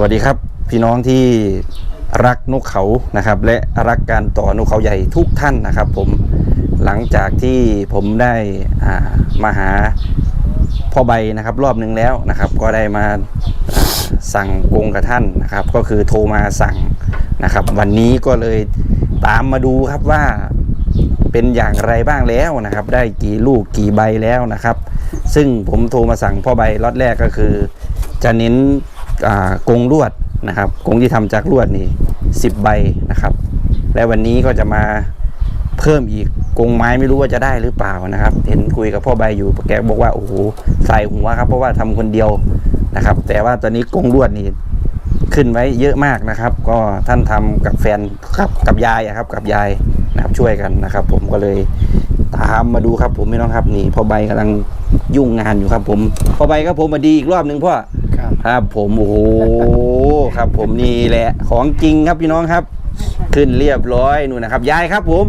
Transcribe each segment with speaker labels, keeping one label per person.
Speaker 1: วัสดีครับพี่น้องที่รักนกเขานะครับและรักการต่อนกเขาใหญ่ทุกท่านนะครับผมหลังจากที่ผมได้มาหาพ่อใบนะครับรอบหนึ่งแล้วนะครับก็ได้มาสั่งกรงกับท่านนะครับก็คือโทรมาสั่งนะครับวันนี้ก็เลยตามมาดูครับว่าเป็นอย่างไรบ้างแล้วนะครับได้กี่ลูกกี่ใบแล้วนะครับซึ่งผมโทรมาสั่งพ่อใบล็อตแรกก็คือจะเน้นกรงลวดนะครับกรงที่ทำจากลวดนี่10 ใบนะครับและวันนี้ก็จะมาเพิ่มอีกกรงไม้ไม่รู้ว่าจะได้หรือเปล่านะครับเห็นคุยกับพ่อใบอยู่แกบอกว่าโอ้โหใส่หัวครับเพราะว่าทำคนเดียวนะครับแต่ว่าตอนนี้กรงลวดนี่ขึ้นไว้เยอะมากนะครับก็ท่านทำกับแฟนครับกับยายครับกับยายนะครับช่วยกันนะครับผมก็เลยตามมาดูครับผมพี่น้องครับนี่พ่อใบกำลังยุ่งงานอยู่ครับผมพ่อใบครับผมมาดีอีกรอบหนึ่งพ่อครับผมโอ้โหครับผมนี่แหละของจริงครับพี่น้องครับขึ้นเรียบร้อยนู่นนะครับยายครับผม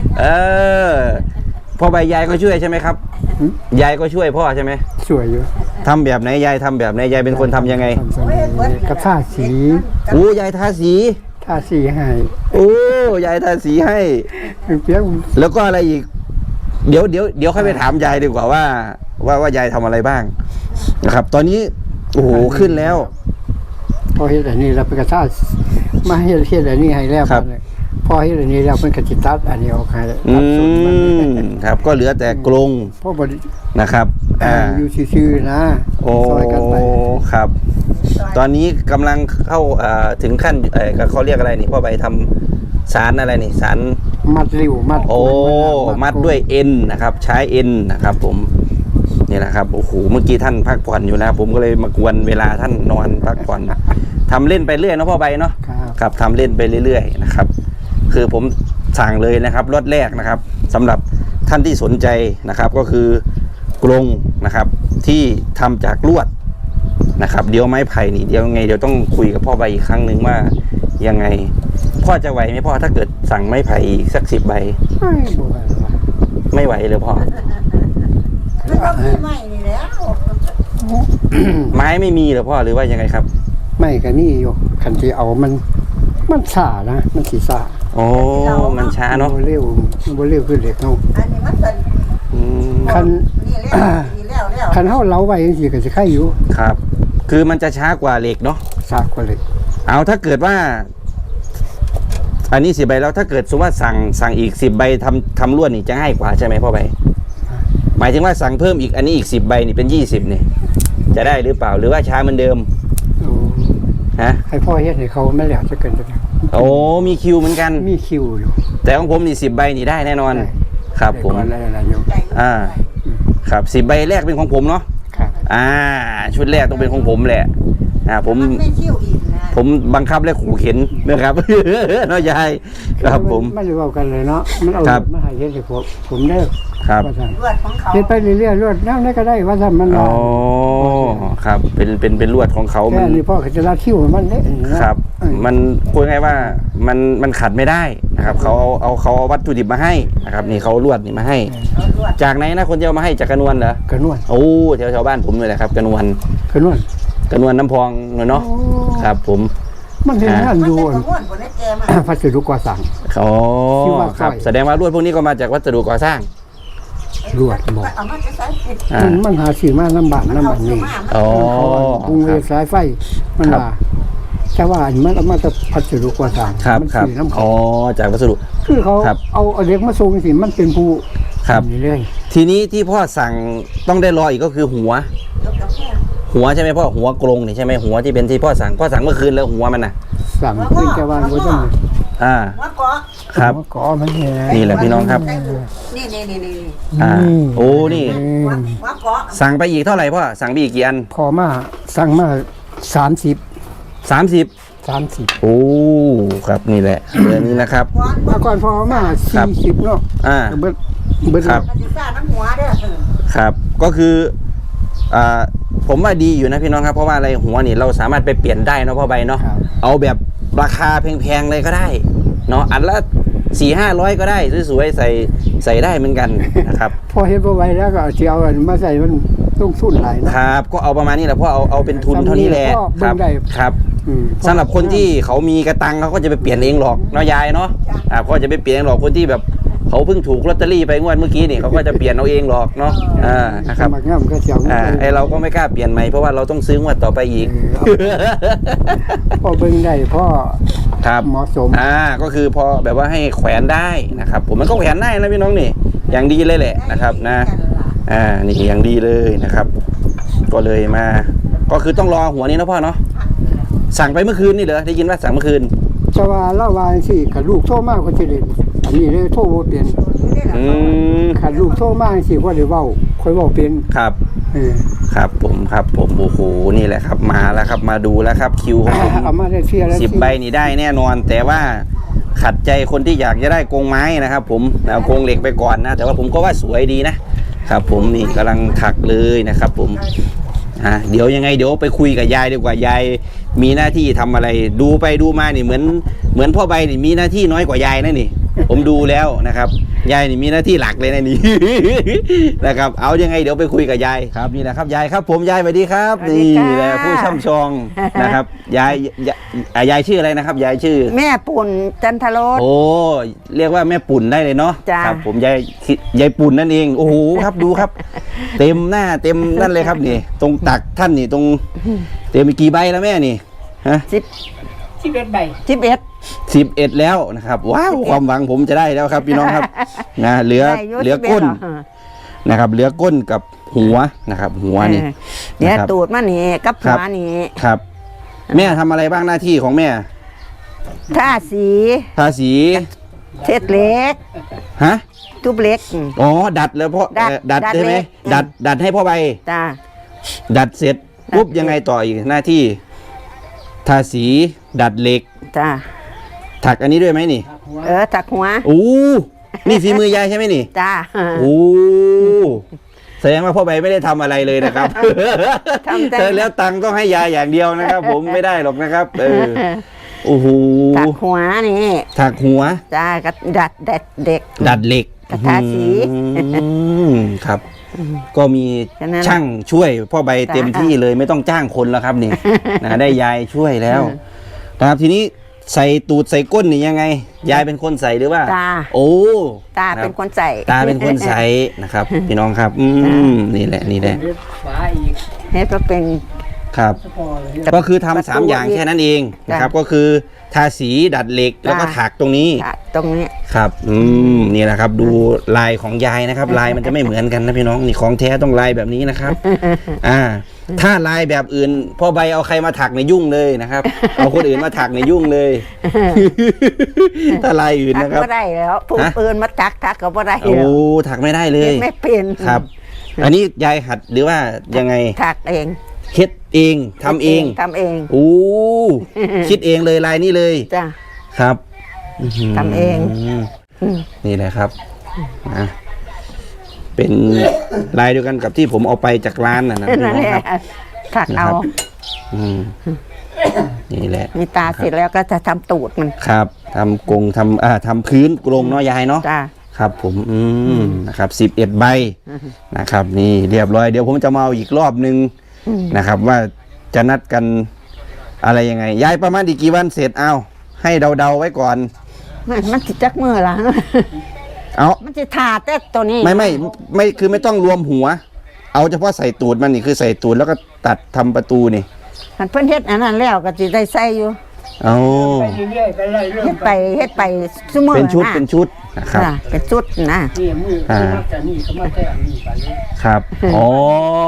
Speaker 1: พ่อใบยายก็ช่วยใช่ไหมครับยายก็ช่วยพ่อใช่ไหม
Speaker 2: ช่วยอยู่
Speaker 1: ทำแบบไหนยายทำแบบไหนยายเป็นคนทำยังไง
Speaker 2: กับท่าสี
Speaker 1: โอ้ยายทาสี
Speaker 2: ให้
Speaker 1: โอ้ยายทาสีให้
Speaker 2: เปียก
Speaker 1: แล้วก็อะไรอีกเดี๋ยวค่อยไปถามยายดีกว่าว่ายายทำอะไรบ้างนะครับตอนนี้โอ้โหขึ้นแล้ว
Speaker 2: พอเฮ็ดอันนี้เราไปกระท่ามาเฮ็ดอันนี้ให้แล้วพอเฮ็ดอันนี้แล้วเพิ่นก็สิตัดอันนี้ออกให้
Speaker 1: ครับก็เหลือแต่กรงนะครับ
Speaker 2: อยู่ซื่อๆนะ
Speaker 1: ซอยกันไปครับตอนนี้กำลังเข้าถึงขั้นเขาเรียกอะไรนี่พ่อใบทำสารอะไรนี่สาร
Speaker 2: มัดริ้ว
Speaker 1: มัดด้วยเอ็นนะครับใช้เอ็นนะครับผมนี่แหละครับโอ้โหเมื่อกี้ท่านพักผ่อนอยู่นะผมก็เลยมากวนเวลาท่านนอนพักผ่อนทำเล่นไปเรื่อยเนาะพ่อใบเนาะครับทำเล่นไปเรื่อยๆนะครับคือผมสั่งเลยนะครับรถแรกนะครับสำหรับท่านที่สนใจนะครับก็คือกรงนะครับที่ทำจากลวดนะครับเดี๋ยวไม้ไผ่นี่เดี๋ยวไงเดี๋ยวต้องคุยกับพ่อใบอีกครั้งหนึ่งว่ายังไงพ่อจะไหวไหมพ่อถ้าเกิดสั่งไม้ไผ่อีกสัก10 ใบไม่ไหวเลยพ่อ
Speaker 3: ไม่นี่แล้ว
Speaker 1: ไม้ไม่มีเหรอพ่อหรือว่ายังไงครับ
Speaker 2: ไม่ก็นี่อยู่คันที่เอามันช้านะมันสิช้า
Speaker 1: โอ้มันช้าเนาะ
Speaker 2: เร็วขึ้นเด็กเนาะ
Speaker 3: อันนี้มันเป็น
Speaker 2: คันเฮาเล้าไว้จังซี่ก็สิไข่อยู่
Speaker 1: ครับคือมันจะช้ากว่าเหล็กเนาะ
Speaker 2: ช้ากว่าเหล็ก
Speaker 1: เอาถ้าเกิดว่าอันนี้10 ใบแล้วถ้าเกิดสมมติว่าสั่งอีก10 ใบทำลวดนี่จะง่ายกว่าใช่ไหมพ่อใบหมายถึงว่าสั่งเพิ่มอีกอันนี้อีก10 ใบนี่เป็น20นี่จะได้หรือเปล่าหรือว่าช้าเหมือนเดิมฮะ
Speaker 2: ให้พ่อเฮ็ดให้เขาไม่แล้วจะเกิน
Speaker 1: โอ้มีคิวเหมือนกัน
Speaker 2: มีคิวอยู่
Speaker 1: แต่ของผมนี่10 ใบนี่ได้แน่นอนครับผมครับ10 ใบแรกเป็นของผมเนาะชุดแรกต้องเป็นของผมแหละผมบังคับและขู่เข็นนะครับเนาะยายครับผม
Speaker 2: ไม่รู้กันเลยเนาะมันเอามาให้เฮ็ดให้ผมได้
Speaker 1: ครับ
Speaker 2: เฮ็ดไปเรื่อยๆลวดแนวไหนก็ได้ว่าซั่นมัน
Speaker 1: อ๋อครับเป็นลวดของเขา
Speaker 2: มันนี่พ่อก็จะรัดคิ้วมันเด้
Speaker 1: ครับมันพูดง่ายว่ามันขัดไม่ได้นะครับเขาเอาวัตถุดิบมาให้นะครับนี่เขาลวดนี่มาให้จากไหนนะคนจะเอามาให้จากกระนวลเหรอก
Speaker 2: ระนวล
Speaker 1: โอ้แถวบ้านผมเลยแหละครับกระนวลน้ำพองเนาะครับผม
Speaker 2: มันเห็นงานอยู่พัสดุก่อสร้าง
Speaker 1: ครับแสดงว่าลวดพวกนี้ก็มาจากวัสดุก่อสร้าง
Speaker 2: ลวดบอกมันหาซื้อมาลำบากนี่กรุงสายไฟมันว่าแต่ว่ามันเอามาจากพัสดุก่อสร้าง
Speaker 1: มันซื้อน้ำจากวัสดุ
Speaker 2: คือเขาเอาเด็กมาส่งสิมันเป็นผู้
Speaker 1: นี่เลยทีนี้ที่พ่อสั่งต้องได้รออีกก็คือหัวใช่ไหมพ่อหัวกรงนี่ใช่ไหมหัวที่เป็นที่พ่อสั่งเมื่อคืนแล้วหัวมันน่ะ
Speaker 2: สั่งขึ้นแกวางไว้ตั้ง
Speaker 1: ครับ
Speaker 2: เกาะมัน
Speaker 1: นี่แหละพี่น้องครับ
Speaker 3: นี่
Speaker 1: โอ้นี่สั่งไปอีกเท่าไหร่พ่อสั่งไปอีกกี่อัน
Speaker 2: พอมาสั่งมา30โ
Speaker 1: อ้ครับนี่แหละเรื่องนี้นะครับ
Speaker 2: มาก่อนพอมา40เนาะเบิด
Speaker 1: ครับครับก็คือผมว่าดีอยู่นะพี่น้องครับเพราะว่าอะไรหัวนี่เราสามารถไปเปลี่ยนได้เนาะพ่อใบเนาะเอาแบบราคาแพงๆเลยก็ได้เนาะอันละ400-500ก็ได้สวยๆใส่ได้เหมือนกันนะครับ
Speaker 2: พอเห็นพ่อใบแล้วก็เอามาใส่มันต้องทุนหลายนะครับ
Speaker 1: ก็เอาประมาณนี้แหละพ่อเอาเป็นทุนเท่านี้แหละครับสำหรับคนที่เขามีกระตังเขาก็จะไปเปลี่ยนเองหรอกเนาะยายเนาะเขาจะไปเปลี่ยนเองหรอกคนที่แบบเขาเพิ่งถูกลอตเตอรี่ไปงวดเมื่อกี้นี่เขาก็จะเปลี่ยนเอาเองหรอกเนาะนะครับไอเราก็ไม่กล้าเปลี่ยนใหม่เพราะว่าเราต้องซื้องวดต่อไปอีก
Speaker 2: พอเบิ่งได้พ่อ
Speaker 1: ครับ
Speaker 2: เหมาะสม
Speaker 1: ก็คือพอแบบว่าให้แขวนได้นะครับ ผมมันก็แขวนได้นะพี่น้องนี่อย่างดีเลยแหละนะครับนะนี่อย่างดีเลยนะครับ ก็เลยมาก็คือต้องรอหัวนี้นะพ่อเนาะสั่งไปเมื่อคืนนี่เหรอได้ยินว่าสั่งเมื่อคืน
Speaker 2: แต่ว่าเล่าวาสิขันลูกโทรมากก็จะเด่นอันนี้เลยโทรบ่เปลี่ยนขันลูกโทรมากสิว่าเดี๋ยวเว้าค่อยเว้าเป็น
Speaker 1: ครับครับผมโอ้โหนี่แหละครับมาแล้วครับมาดูแล้วครับคิวของผม
Speaker 2: เอามาได้เสียแล้ว
Speaker 1: 10 ใบนี่ได้แน่นอน แต่ว่าขัดใจคนที่อยากจะได้กรงไม้นะครับ ผมเอากรงเหล็กไปก่อนนะแต่ว่าผมก็ว่าสวยดีนะครับ ผมนี่กำลังถักเลยนะครับ ผมเดี๋ยวยังไงเดี๋ยวไปคุยกับยายดีกว่ายายมีหน้าที่ทำอะไรดูไปดูมานี่เหมือนพ่อใบนี่มีหน้าที่น้อยกว่ายายนะนี่ผมดูแล้วนะครับยายนี่มีหน้าที่หลักเลยนะนี่ นะครับเอายังไงเดี๋ยวไปคุยกับยายครับนี่แหละครับยายครับผมยายสวัสดีครับนี่แหละผู้ช่ำชองนะครับยายชื่ออะไรนะครับยายชื่อ
Speaker 3: แม่ปุ่นจันทรส
Speaker 1: โอ้เรียกว่าแม่ปุ่นได้เลยเนาะ
Speaker 3: จ้า
Speaker 1: ครับผมยายปุ่นนั่นเองโอ้โหครับดูครับ เต็มหน้าเต็มนั่นเลยครับนี่ตรงตักท่านนี่ตรงเต็มไปกี่ใบแล้วแม่นี่ฮะ
Speaker 3: 11 ใบ11
Speaker 1: แล้วนะครับว้าวความหวังผมจะได้แล้วครับพี่น้องครับนะเหลือก้นนะครับเหลือก้นกับหัวนะครับหัวนี่
Speaker 3: เนี่ยตูดมันนี่กับหัวนี่
Speaker 1: ครับ แม่ทำอะไรบ้างหน้าที่ของแม่
Speaker 3: ทาสีเทศเล็ก
Speaker 1: ฮะ
Speaker 3: ทุบเล็ก
Speaker 1: อ๋อดัดแล้วพ่อดัดใช่ไหมดัดให้พ่อใบ
Speaker 3: จ้า
Speaker 1: ดัดเสร็จปุ๊บยังไงต่ออีกหน้าที่ทาสีดัดเหล็ก
Speaker 3: จ้า
Speaker 1: ถักอันนี้ด้วยไหมนี่
Speaker 3: ถักหัว
Speaker 1: นี่ฝีมือยายใช่ไหมนี่
Speaker 3: จ้า
Speaker 1: แสดงว่าพ่อใบไม่ได้ทำอะไรเลยนะครับแล้วตังค์ต้องให้ยายอย่างเดียวนะครับ ผมไม่ได้หรอกนะครับโอ้โห
Speaker 3: ถักหัวนี่
Speaker 1: ถักหัว
Speaker 3: จ้าก็ดัดเหล็กทาสี
Speaker 1: ครับก็มีช่างช่วยพ่อใบเต็มที่เลยไม่ต้องจ้างคนแล้วครับนี่ได้ยายช่วยแล้วนะครับทีนี้ใส่ตูดใส่ก้นนี่ยังไงยายเป็นคนใส่หรือว่า
Speaker 3: ตาเป็นคนใส่
Speaker 1: ตาเป็นคนใส่นะครับพี่น้องครับนี่แหละ
Speaker 3: เฮ็ดก็เป็น
Speaker 1: ครับก็คือทำ3 อย่างแค่นั้นเองนะครับก็คือทาสีดัดเหล็กแล้วก็ถักตรงนี้ครับนี่แหละครับดูลายของยายนะครับลายมันจะไม่เหมือนกันนะพี่น้องนี่ของแท้ต้องลายแบบนี้นะครับถ้าลายแบบอื่นพ่อใบเอาใครมาถักในยุ่งเลยนะครับเอาคนอื่นมาถักในยุ่งเลยถ้าลายอื่นนะครับ
Speaker 3: ไม่ได้แล้วผู้อื่นมาถักก็ไม่ได้
Speaker 1: ถักไม่ได้เลย
Speaker 3: ไม่เป็น
Speaker 1: ครับอันนี้ยายหัดหรือว่ายังไง
Speaker 3: ถักเอง
Speaker 1: เฮ็ดเองทำเองคิดเองเลยลายนี้เลย
Speaker 3: จ้ะ
Speaker 1: ครับ
Speaker 3: ทำเอง
Speaker 1: นี่แหละครับเป็นลายเดียวกันกับที่ผมเอาไปจากร้านน่ะนะ
Speaker 3: ครับถักเอา
Speaker 1: นี่แหละ
Speaker 3: มีตาเสร็จแล้วก็จะทำตูดมัน
Speaker 1: ครับทำกรงทำพื้นกรงเนาะยายเนาะครับผมนะครับ11 ใบนะครับนี่เรียบร้อยเดี๋ยวผมจะมาเอาอีกรอบนึงนะครับว่าจะนัดกันอะไรยังไงยายประมาณอีกกี่วันเสร็จเอาให้เดาไว้ก่อน
Speaker 3: มันจิจักมือละมันจะทาแต่ตัวนี้
Speaker 1: ไม่คือไม่ต้องรวมหัวเอาเฉพาะใส่ตูดมันนี่คือใส่ตูดแล้วก็ตัดทำประตูนี่
Speaker 3: มันเพิ่นเฮ็ดอันนั้นแล้วก็จะได้ใส่อยู่เฮ็ดไปซุมื้อ
Speaker 1: เป็นชุดนะครับ
Speaker 3: เป็นชุด
Speaker 2: นี่มือจะนี่ก็มาแท้นี่ไป
Speaker 1: ครับอ๋อ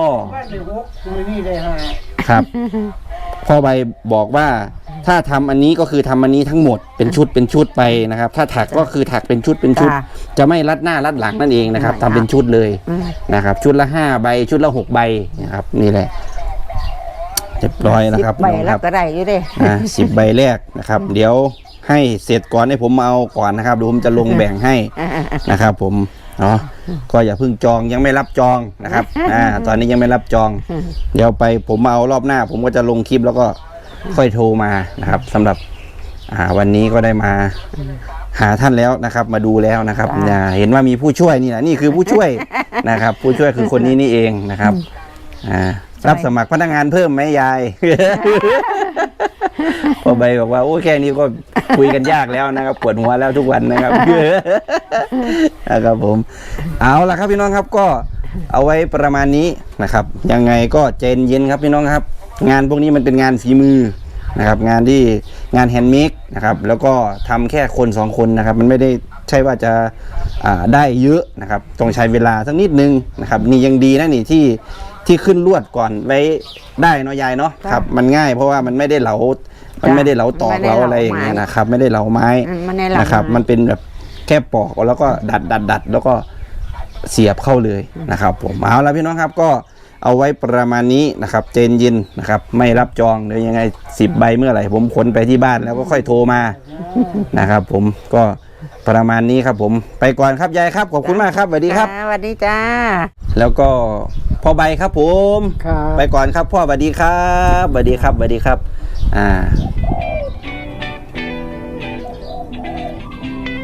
Speaker 1: ครับพ่อใบบอกว่าถ้าทำอันนี้ก็คือทำอันนี้ทั้งหมดเป็นชุดไปนะครับถ้าถักก็คือถักเป็นชุดจะไม่รัดหน้ารัดหลังนั่นเองนะครับทำเป็นชุดเลยนะครับชุดละ5 ใบชุดละ6 ใบนะครับนี่แหละเรียบร้อยนะครับ
Speaker 3: 10 ใบแล้วก็ได้อยู่ดิ
Speaker 1: 10 ใบแรกนะครับเดี๋ยวให้เสร็จก่อนให้ผมมาเอาก่อนนะครับเดี๋ยวผมจะลงแบ่งให้นะครับผมเนาะก็อย่าเพิ่งจองยังไม่รับจองนะครับตอนนี้ยังไม่รับจองเดี๋ยวไปผมมาเอารอบหน้าผมก็จะลงคลิปแล้วก็ค่อยโทรมานะครับสำหรับวันนี้ก็ได้มาหาท่านแล้วนะครับมาดูแล้วนะครับเห็นว่ามีผู้ช่วยนี่นะนี่คือผู้ช่วยนะครับผู้ช่วยคือคนนี้นี่เองนะครับรับสมัครพนักงานเพิ่มไหมยายพอใบบอกว่าโอ้แค่นี้ก็คุยกันยากแล้วนะครับปวดหัวแล้วทุกวันนะครับ นะครับผมเอาล่ะครับพี่น้องครับก็เอาไว้ประมาณนี้นะครับยังไงก็ใจเย็นครับพี่น้องครับงานพวกนี้มันเป็นงานฝีมือนะครับงานที่งานแฮนด์เมดนะครับแล้วก็ทำแค่คน2คนนะครับมันไม่ได้ใช่ว่าจะได้เยอะนะครับต้องใช้เวลาสักนิดนึงนะครับนี่ยังดีนะนี่ที่ขึ้นลวดก่อนไว้ได้เนาะยายเนาะครับมันง่ายเพราะว่ามันไม่ได้เหลาตอกเหลาอะไรอย่างเงี้ยนะครับไม่ได้เหลาไม้นะครับมันเป็นแบบแค่ปอกแล้วก็ดัดแล้วก็เสียบเข้าเลยนะครับผมเอาละพี่น้องครับก็เอาไว้ประมาณนี้นะครับเจนเย็นนะครับไม่รับจองเดี๋ยวยังไง10 ใบเมื่อไหร่ผมขนไปที่บ้านแล้วก็ค่อยโทรมานะครับผมก็ประมาณนี้ครับผมไปก่อนครับยายครับขอบคุณมากครับสวัสดีครับ
Speaker 3: สวัสดีจ้า
Speaker 1: แล้วก็พ่อใบครับผม
Speaker 2: ครับ
Speaker 1: ไปก่อนครับพ่อสวัสดีครับสวัสดีครับสวัสดีครับ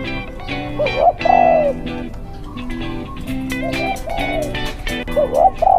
Speaker 1: อ่า